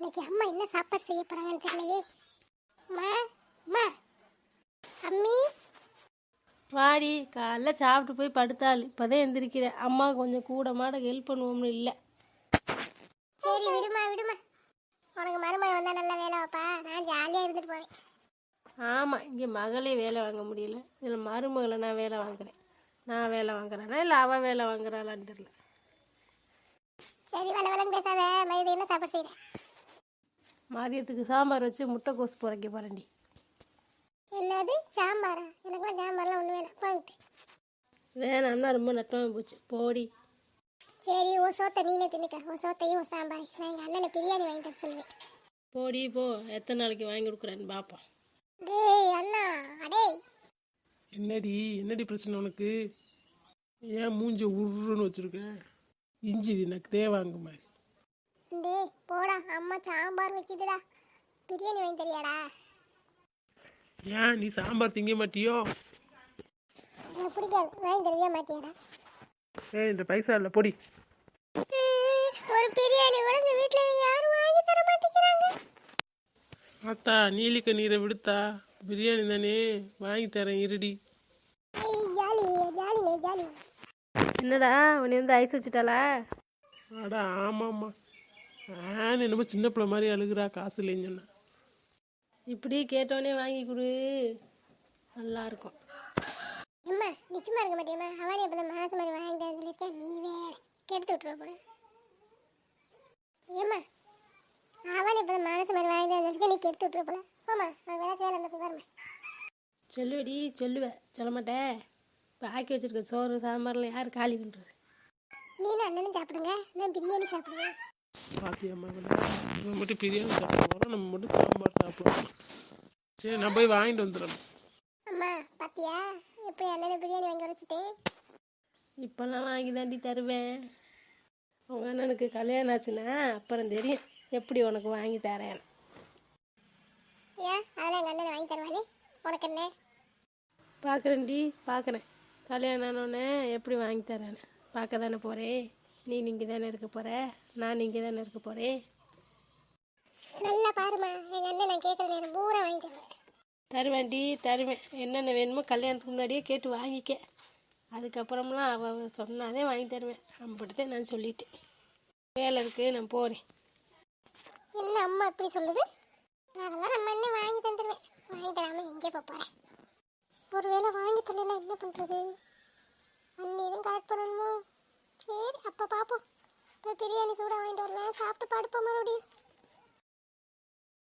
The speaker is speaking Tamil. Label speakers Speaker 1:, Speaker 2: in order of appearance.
Speaker 1: இன்னைக்கு அம்மா என்ன சாப்பாடு செய்ய போறாங்கன்னு தெரியலையே. மா மா அம்மி
Speaker 2: வாடி, காலைல சாப்பிட்டு போய் படுத்தாள். இப்போதான் எந்திரிக்கிறேன். அம்மா கொஞ்சம் கூட மாட ஹெல்ப் பண்ணுவோம்னு இல்லை.
Speaker 1: சரி விடுமா விடுமா, உனக்கு மருமகன் வந்தா நல்ல வேலை வைப்பா, நான் ஜாலியாக இருந்துட்டு போறேன்.
Speaker 2: ஆமாம், இங்கே மகளே வேலை வாங்க முடியல, இதில் மருமகளை நான் வேலை வாங்குறேன். நான் வேலை வாங்குறேன்னா இல்லை அவள் வேலை வாங்குறாளான்னு தெரியல.
Speaker 1: சரி வளவலன்னு பேசாத, மதியம் என்ன சாப்பாடு செய்கிறேன்?
Speaker 2: மதியத்துக்கு சாம்பார் வச்சு முட்டைக்கோஸ் புரைக்க போகிறேன்டி.
Speaker 1: என்னது சாம்பாரா? எனக்குலாம் சாம்பார்லாம் ஒன்று வேணாம், போங்கிட்டு.
Speaker 2: வேணாம்னா ரொம்ப நட்டமாக போச்சு, போடி.
Speaker 1: சரி உன் சோத்தை நீனே தின்னுக்க, உன் சோத்தையும் உன் சாம்பாரை. நான் எங்கள் அண்ணனை பிரியாணி வாங்கி தர சொல்லுவேன்.
Speaker 2: போடி போ, எத்தனை நாளைக்கு வாங்கி கொடுக்குறேன்னு பார்ப்போம்.
Speaker 1: டேய் அண்ணா, அடே
Speaker 3: என்னடி பிரச்சனை உனக்கு? ஏன் மூஞ்ச உருன்னு வச்சிருக்க? இஞ்சி எனக்கு தேவாங்க மாதிரி.
Speaker 1: டேய் போடா, அம்மா சாம்பார் வைக்குதுடா, பிரியாணி வாங்கி தரியாடா?
Speaker 3: ஏன் நீ சாம்பார் திங்க மாட்டியோ?
Speaker 1: எனக்கு பிடிக்காது, வாங்கி தருவியா மாட்டியாடா?
Speaker 3: இந்த பைசா இல்லை பொடி.
Speaker 1: ஒரு பிரியாணி கூட இந்த வீட்டில் யாரும் வாங்கி தர மாட்டேங்கிறாங்க.
Speaker 3: ஆத்தா நீலிக்க நீரை விடுத்தா, பிரியாணி தானே வாங்கி தரேன் இருடி.
Speaker 1: ஜாலி ஜாலினே ஜாலி.
Speaker 2: என்னடா உன்னை வந்து ஐஸ் வச்சுட்டாளா?
Speaker 3: அடா ஆமாம்மா, நான் என்னமோ சின்ன பிள்ளை மாதிரி அழுகுறா காசு இல்லைன்னு சொன்னா.
Speaker 2: இப்படி கேட்டோடனே வாங்கி கொடு, நல்லா இருக்கும்.
Speaker 1: அம்மா நிச்சயமா இருக்க மாட்டேம்மா, அவனே இப்போ மாசம் மாதிரி வாங்கி தரேன் சொல்லியிருக்கேன், நீ வேற கெடுத்து விட்டுருவ போல. ஏம்மா அவனே இப்போ மாசம் மாதிரி வாங்கி தரேன் சொல்லியிருக்கேன், நீ கெடுத்து விட்டுருவ போல. போம்மா, நான் வேலைச்சு வேலை இருந்த போய் வரமா.
Speaker 2: சொல்லுவடி, சொல்லுவேன், சொல்ல மாட்டேன். இப்போ ஆக்கி வச்சிருக்க சோறு சாம்பார்லாம் யார் காலி பண்ணுறது?
Speaker 1: நீனும் அண்ணனும் சாப்பிடுங்க, நான் பிரியாணி சாப்பிடுவேன்.
Speaker 3: பாத்தியம்மா, நம்ம மட்டும் பிரியாணி சாப்பிடுவோம், நம்ம மட்டும் சாம்பார் சாப்பிடுவோம். சரி நான் போய் வாங்கிட்டு வந்துடுறேன்.
Speaker 1: அம்மா பாத்தியா எப்படி அண்ணனை பிரியாணி வாங்கி வச்சுட்டேன்?
Speaker 2: இப்போல்லாம் வாங்கி தாண்டி தருவேன். உங்கள் அண்ணனுக்கு கல்யாணம் ஆச்சுன்னா அப்புறம் தெரியும் எப்படி உனக்கு வாங்கி தரேன்.
Speaker 1: ஏன் அதெல்லாம் எங்கள் அண்ணனை வாங்கி தருவானே, உனக்கு என்ன?
Speaker 2: பார்க்குறேன்டி, பார்க்குறேன். கல்யாணம் ஆனோடனே எப்படி வாங்கி தரேன்னு பார்க்க தானே போகிறேன். நீ இங்கே தானே இருக்க போகிற, நான் இங்கே தானே இருக்க போகிறேன்.
Speaker 1: நல்லா பாருமா, எங்கள் அண்ணன் நான் கேட்குற நேரம் பூரா வாங்கி தருவேன்.
Speaker 2: தருவேன்டி, தருவேன். என்னென்ன வேணுமோ கல்யாணத்துக்கு முன்னாடியே கேட்டு வாங்கிக்க. அதுக்கப்புறம்லாம் அவள் சொன்னாதே வாங்கி தருவேன். அப்படித்தான் நான் சொல்லிட்டேன். வேலை இருக்குது, நான் போகிறேன்.
Speaker 1: என்ன அம்மா இப்படி சொல்லுது? அதெல்லாம் நம்ம என்ன வாங்கி தந்துடுவேன், வாங்கி தராமல் எங்கே போகிறேன். ஒரு வேளை வாங்கி தரலைன்னா என்ன பண்ணுறது? அண்ணி எதுவும் கரெக்ட் பண்ணணுமோ? சரி அப்போ பார்ப்போம். இப்போ பிரியாணி சூடாக வாங்கிட்டு வருவேன், சாப்பிட்டு படுப்போம் மறுபடியும்.